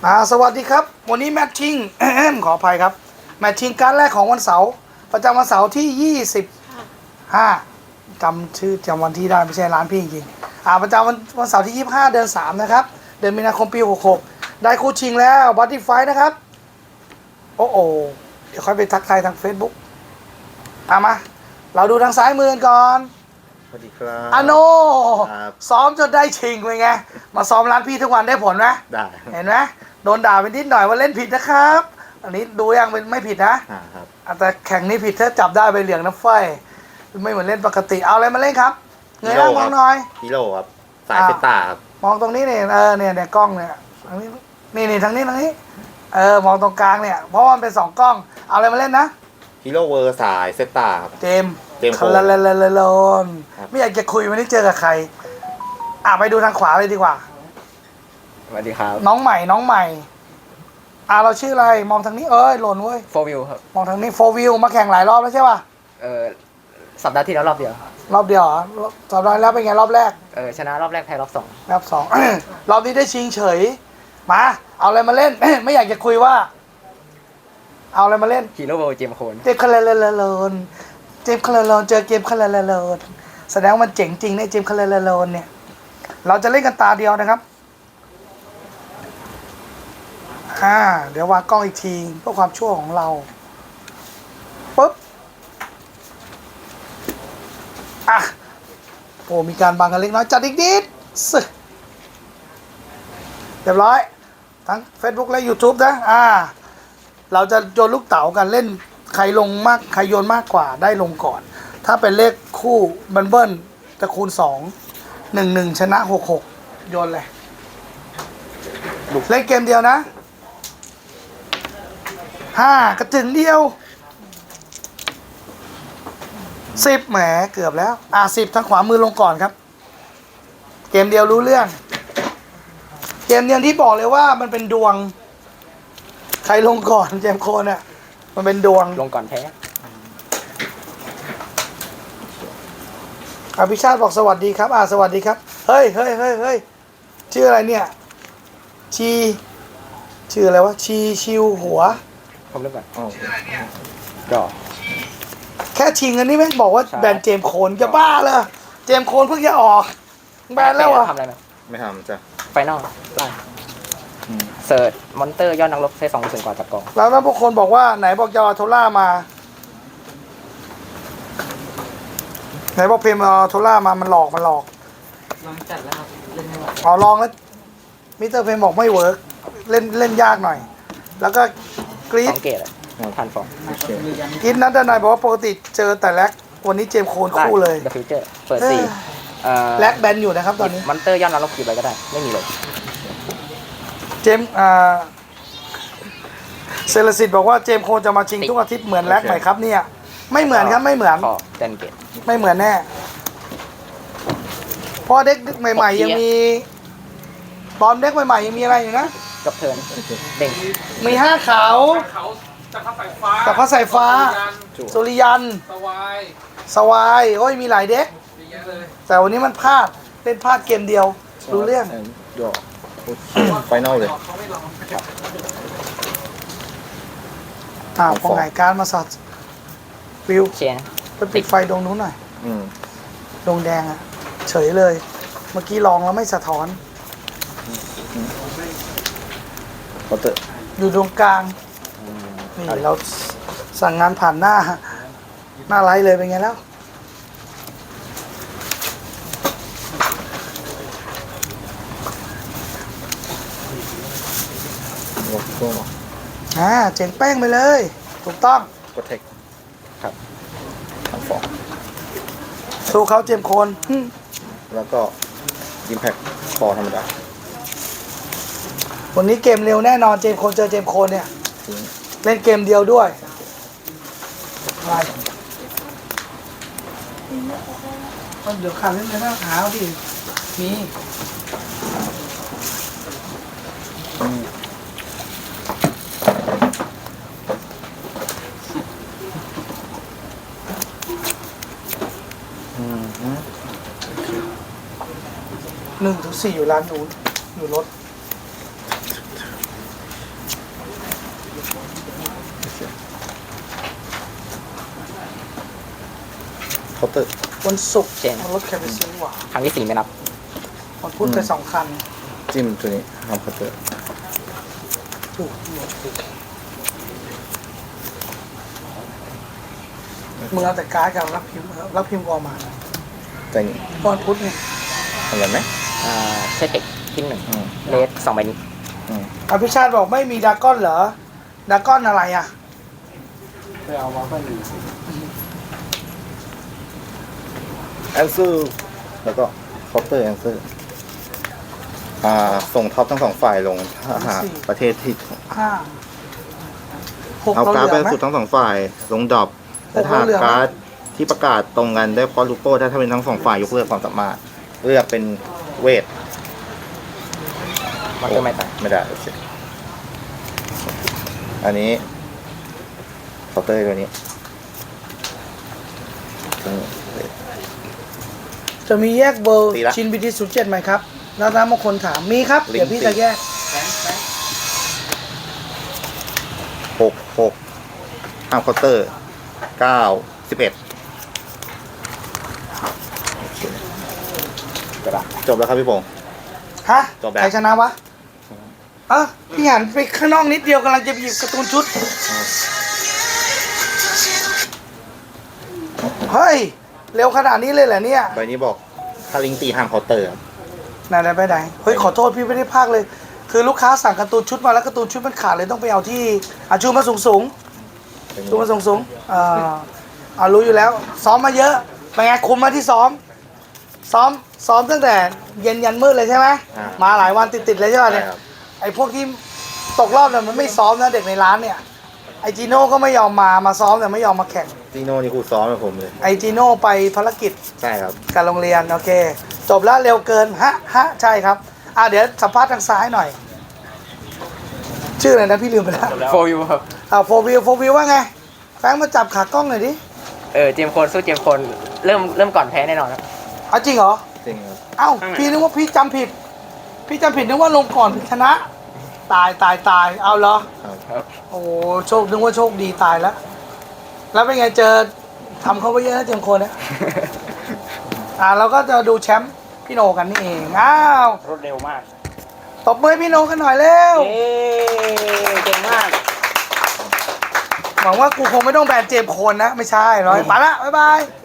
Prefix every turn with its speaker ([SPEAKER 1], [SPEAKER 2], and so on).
[SPEAKER 1] สวัสดีครับวันนี้แมทชิ่ง ขออภัยครับแมทชิ่งการแรกของวันเสาร์ประจำวันเสาร์ที่25จำวันที่ได้ไม่ใช่ร้านพี่จริงประจำวันเสาร์ที่25เดือน3นะครับเดือนมีนาคมปี66ได้คู่ชิงแล้วบัตตี้ไฟนะครับโอ้เดี๋ยวค่อยไปทักทายทาง Facebook มาเราดูทางซ้ายมือก่อน
[SPEAKER 2] สวัสดีครับ
[SPEAKER 1] โนซ้อมจนได้ชิงเลยไงมาซ้อมร้านพี่ทุกวันได้ผลไหม
[SPEAKER 2] ได้
[SPEAKER 1] เห็นไหมโดนด่าไปนิดหน่อยว่าเล่นผิดนะครับอันนี้ดูยังเป็นไม่ผิดนะครับแต่แข่งนี้ผิดถ้าจับได้ไปเหลืองน้ำไฟไม่เหมือนเล่นปกติเอาอะไรมาเล่นครับเงยหน้ามองหน่อย
[SPEAKER 2] ฮีโร่ครับสายเซตาครับ
[SPEAKER 1] มองตรงนี้เนี่ยเนี่ยกล้องเนี่ยทางนี้นี่ทางนี้มองตรงกลางเนี่ยเพราะว่ามันเป็น2กล้องเอาอะไรมาเล่นนะ
[SPEAKER 2] ฮีโร่เวอร์สายเซตาครับ
[SPEAKER 1] เจมคาราเลนไม่อยากจะคุยวันนี้เจอกับใครไปดูทางขวาเลยดีกว่า
[SPEAKER 3] สวัสดีครับ
[SPEAKER 1] น้องใหม่เราชื่ออะไรมองทางนี้หล่นเว้ย
[SPEAKER 3] โฟวิวครับ
[SPEAKER 1] มองทางนี้โฟวิวมาแข่งหลายรอบแล้วใช่ป่ะ
[SPEAKER 3] สัปดาห์ที่แล้วรอบเดียว
[SPEAKER 1] เหรอสัปดาห์แล้วเป็นไงรอบแรก
[SPEAKER 3] ชนะรอบแรกแพ้รอบสอง
[SPEAKER 1] รอบนี้ได้ชิงเฉยมาเอาอะไรมาเล่น ไม่อยากจะคุยว่าเอาอะไรมาเล่น
[SPEAKER 3] ฮีโร่เวลเจมโคน
[SPEAKER 1] เจมคาราเลนเจมคาราเลนเจอเกมคาราเลนแสดงว่ามันเจ๋งจริงในเจมคาราเลนเนี่ยเราจะเล่นกันตาเดียวนะครับเดี๋ยววางกล้องอีกทีเพื่อความชั่วของเราปุ๊บมีการบังกันเล็กน้อยจัดอีกนิดเรียบร้อยทั้ง Facebook และ YouTube นะเราจะโยนลูกเต๋ากันเล่นใครลงมากใครโยนมากกว่าได้ลงก่อนถ้าเป็นเลขคู่เบิ้ลจะคูณ2 1 ชนะ66โยนเลยเล่นเกมเดียวนะกระจึงเดียว10แหมเกือบแล้ว10ทางขวามือลงก่อนครับเกมเดียวรู้เรื่องเกมเดียวที่บอกเลยว่ามันเป็นดวงใครลงก่อนเจมโคนเนี่ยมันเป็นดวง
[SPEAKER 3] ลงก่อนแพ้
[SPEAKER 1] พิชาติบอกสวัสดีครับสวัสดีครับเฮ้ยชื่ออะไรเนี่ยชื่ออะไรวะชิวหัว
[SPEAKER 3] ผมเริ่มก่อนก็
[SPEAKER 1] แค่ชิงอันนี้แม่งบอกว่าแบนเจมโคนจะบ้าเลยเจมโคนเพิ่งจะออกแบนแล้ว
[SPEAKER 3] ทำอะไรไหม
[SPEAKER 2] ไม่ทำจ้ะ
[SPEAKER 3] ไฟนอลไล่เสิร์ชมอนเตอร์ยอดนักรบใช้2%กว่าจับกอง
[SPEAKER 1] แล้วถ้าพวกคนบอกว่าไหนบอกจะเอาโทล่ามาไหนบอกเพมเอาโทล่ามามันหลอก
[SPEAKER 3] ลองจัดแล้วครับเล่นไม่ไหว
[SPEAKER 1] ลองแล้วมิสเตอร์เพมบอกไม่เวิร์กเล่นยากหน่อยแล้วก็กรี๊ด
[SPEAKER 3] 2 เกตทันฟอร์ม
[SPEAKER 1] กรี๊ดนัดด้านในบอกว่าปกติเจอแต่แล็กวันนี้เจมโคนคู่เลย
[SPEAKER 3] เดอะฟิวเจอร์เปิด4
[SPEAKER 1] แล็กแบนอยู่นะครับตอนนี้
[SPEAKER 3] มอนเตอร์ยอดนักรบกี่ใบก็ได้ไม่มีเลย
[SPEAKER 1] เจมเซเลสิตบอกว่าเจมโคนจะมาชิงทุกอาทิตย์เหมือนแล็กไหมครับเนี่ยไม่เหมือนครับไม่เหมือน
[SPEAKER 3] เต็มเกต
[SPEAKER 1] ไม่เหมือนแน่เพราะเด็กใหม่ๆยังมีตอนเด็กใหม่ๆยังมีอะไรอยู่นะ
[SPEAKER 3] กับเทิร์นเด้ง
[SPEAKER 1] มี5 ขาวจักรพรรดิสายฟ้าสุริยันสวายมีหลายเด็กแต่วันนี้มันพลาดเล่นพลาดเกมเดียวรู้เรื่อง
[SPEAKER 2] ไฟนอลเลย
[SPEAKER 1] พอไงการมาสัตว์วิว
[SPEAKER 3] เชียร์
[SPEAKER 1] ไปปิดไฟดวงนู้นหน่อยดวงแดงเฉยเลยเมื่อกี้ลองแล้วไม่สะท้อนอยู่ตรงกลางนี่เราสั่งงานผ่านหน้าไลฟ์เลยเป็นไงแล้วเจ๋งแป้งไปเลยถูกต้อง
[SPEAKER 2] กดเทคครับทั้งฟอง
[SPEAKER 1] สู้เขาเจมโคน
[SPEAKER 2] แล้วก็อิมแพคคอธรรมดา
[SPEAKER 1] วันนี้เกมเร็วแน่นอนเจมโคนเจอเจมโคนเนี่ยเล่นเกมเดียวด้วยเดี๋ยวขาดเล่นในหน้าขาวดิมี1 ถึง 4อยู่ร้านนู้นอยู่รถ
[SPEAKER 2] เคาน์เตอร์
[SPEAKER 1] วันศุกร์
[SPEAKER 3] เช่น
[SPEAKER 1] รถแคปไปซื้อหว่า
[SPEAKER 3] ครั้งที่ 4 ไม่นับ
[SPEAKER 1] วันพุธไป2 คัน
[SPEAKER 2] จิ้มตัวนี้ทำเคาน์เตอร์
[SPEAKER 1] ถูกมึงเอาแต่การ์ดกับรับพิมพ์กออกมา
[SPEAKER 2] แต่นี่
[SPEAKER 1] วันพุธเนี่ย
[SPEAKER 2] ทำอะไรไหม
[SPEAKER 3] ใช่เทคทิ้ง
[SPEAKER 2] อืม
[SPEAKER 3] 1เลส2ใบนี้
[SPEAKER 1] อภิชาติบอกไม่มีดราก้อนเหรอดราก้อนอะไรอ่ะ
[SPEAKER 4] ไปเอามาก็มี
[SPEAKER 2] แอนเซอร์แล้วก็เคาน์เตอร์แอนเซอร์ส่งท็อปทั้งสองฝ่ายลงถ้าหากประเทศที่
[SPEAKER 1] 5 6
[SPEAKER 2] เอา
[SPEAKER 1] เรา
[SPEAKER 2] การ์ด
[SPEAKER 1] เห
[SPEAKER 2] ไป
[SPEAKER 1] ลือไหม
[SPEAKER 2] สุดทั้งสองฝ่ายลงดรอปและถ้า
[SPEAKER 1] เหลือไหม
[SPEAKER 2] การ์ดที่ประกาศตรงกันได้พอลูโก้ถ้าเป็นทั้งสองฝ่ายยกเลิกความสามารถเลือกเป็นเวท
[SPEAKER 3] มอนเตอร์ไม่ตาย
[SPEAKER 2] ไม่ได้โอเคอันนี้เคาน์เตอร์ตัวนี้เวท
[SPEAKER 1] จะมีแยกเบอร์
[SPEAKER 2] ตีละ
[SPEAKER 1] ชินบีที07ไหมครับแล้วน้ำบางคนถามมีครับ
[SPEAKER 2] ลิงก์
[SPEAKER 1] เดี๋ยวพี่จะแยก
[SPEAKER 2] 6ห้ามเคาน์เตอร์9 11โอเคจบแล้วครับพี่พงษ์
[SPEAKER 1] ฮะ
[SPEAKER 2] จบแล้ว
[SPEAKER 1] ใครชนะวะพี่หันไปข้างนอกนิดเดียวกำลังจะไปหยิบการ์ตูนชุด เฮ้ย เร็วขนาดนี้เลยเหรอเนี่ย
[SPEAKER 2] ใบนี้บอกถ้าลิงก์ตีห้ามเคาน์เตอร์ครับ
[SPEAKER 1] ไหนไปไหนเฮ้ยขอโทษพี่ไม่ได้พากเลย คือลูกค้าสั่งการ์ตูนชุดมาแล้วการ์ตูนชุดมันขาดเลยต้องไปเอาที่ชูมาสูงชูมาสูงรู้อยู่แล้ว ซ้อมมาเยอะเป็นไงคุมมาที่ซ้อมตั้งแต่เย็นยันมืดเลยใช่ไหมมาหลายวันติดเลยใช่ไหมเนี่ย
[SPEAKER 2] ใช่ครับ
[SPEAKER 1] ไอ้พวกที่ตกรอบเนี่ยมันไม่ซ้อมนะเด็กในร้านเนี่ยไอจีโน่ก็ไม่ยอมมาซ้อมแต่ไม่ยอมมาแข่ง
[SPEAKER 2] จีโน่นี่ครูซ้อมกับผมเลย
[SPEAKER 1] ไอจีโน่ไปภารกิจ
[SPEAKER 2] ใช่ครับ
[SPEAKER 1] การโรงเรียนโอเค จบแล้วเร็วเกินใช่ครับเดี๋ยวสัมภาษณ์ทางซ้ายหน่อย ชื่ออะไรนะพี่ลืมไปแล้ว
[SPEAKER 3] โฟยูครับ
[SPEAKER 1] โฟวิวว่าไงแฟรงค์มาจับขากล้องหน่อยดิ
[SPEAKER 3] เจมส์โคนสู้เจมส์โคนเริ่มก่อนแพ้แน่นอนครับ
[SPEAKER 1] เอาจริงเหรอ
[SPEAKER 2] จริงครับ
[SPEAKER 1] เอ้าพี่นึกว่าพี่จำผิดนึกว่าลงก่อนชนะ ตายเอาเหรอ
[SPEAKER 2] ครับ
[SPEAKER 1] โอ้นึกว่าโชคดีตายแล้ว แล้วเป็นไงเจอทำเขาไปเยอะนะเจมส์โคนเนี่ย เราก็จะดูแชมป์พี่โนกันนี่เองอ้าว
[SPEAKER 4] รวดเร็วมาก
[SPEAKER 1] ตบมือให้พี่โนกันหน่อยเร็ว
[SPEAKER 4] เย้เก่งมาก
[SPEAKER 1] หวังว่ากูคงไม่ต้องแบนเจมส์โคนนะ ไม่ใช่ร้อยไปละบ๊ายบาย